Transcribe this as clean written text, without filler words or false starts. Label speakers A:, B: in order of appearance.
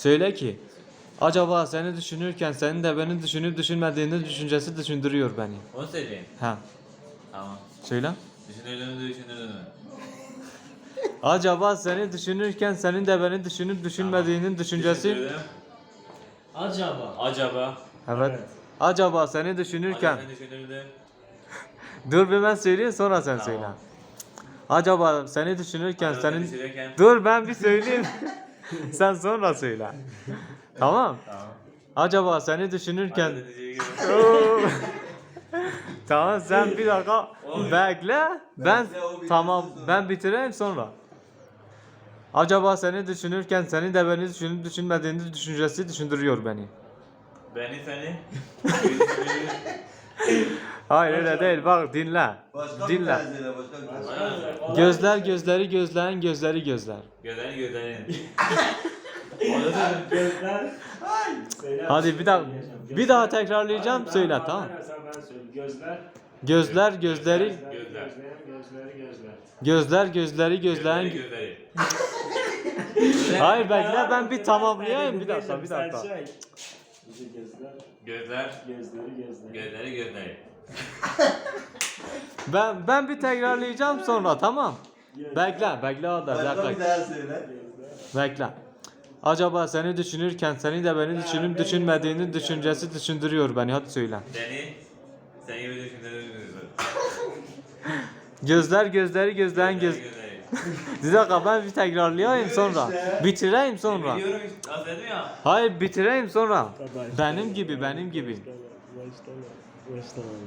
A: Söyle ki acaba seni düşünürken senin de beni düşünüp düşünmediğini düşüncesi düşündürüyor beni.
B: Onu söyleyeyim.
A: Ha,
B: Tamam.
A: söyle.
B: Düşünürdün.
A: Acaba seni düşünürken senin de beni düşünüp düşünmediğinin düşüncesi.
B: Düşünürdüm.
C: Acaba.
A: Evet.
C: Evet.
A: Acaba seni düşünürken.
B: Acaba düşünürdüm.
A: Dur bir ben söyleyeyim sonra sen
B: Tamam.
A: söyle. Acaba seni düşünürken
B: Acaba seni
A: senin.
B: düşünürken.
A: Dur ben bir söyleyeyim. Sen sonra söyle. Tamam.
B: Tamam.
A: Acaba seni düşünürken.
B: Acaba seni düşünürken.
A: Oo. Tamam sen bir dakika
B: Oğlum.
A: bekle. Ben
D: Bekle, o bitirsin
A: tamam
D: sonra.
A: ben bitireyim sonra. Acaba seni düşünürken seni de beni düşünüp düşünmediğini düşüncesi düşündürüyor beni.
B: Beni seni.
A: Hayır öyle değil bak dinle.
D: Başka bir
A: Dinle.
D: tane söyle, başka bir tane.
B: Aynen.
A: Gözler gözleri gözlerin gözleri gözler.
B: Gözlerin.
C: Gözler. Söyle.
A: Hadi bir daha bir daha tekrarlayacağım
C: Hayır,
A: söyle
C: ben
A: tamam.
C: sen ben söyleyeyim. Gözler.
A: Gözler gözleri
B: Gözler.
A: gözler gözleri gözlerin.
B: Gözleri.
A: Hayır bekle ben bir tamamlayayım bir dakika bir dakika.
C: Gözler.
B: Gözler.
C: Gözleri.
B: Gözleri.
A: Ben bir tekrarlayacağım sonra tamam. Bekle o da bir
D: Başka bir
A: dakika.
D: daha söyle.
A: Bekle. Acaba seni düşünürken seni de beni düşünüp düşünmediğini düşüncesi düşündürüyor beni hadi söyle.
B: Seni gibi düşünürdüm.
A: Gözler gözleri gözlerin göz.
B: Gözleri.
A: Bir dakika ben bir tekrarlayayım sonra. Bitireyim sonra.
B: Biliyorum işte. Az dedim ya.
A: Hayır bitireyim sonra. Benim gibi.
C: Başlama.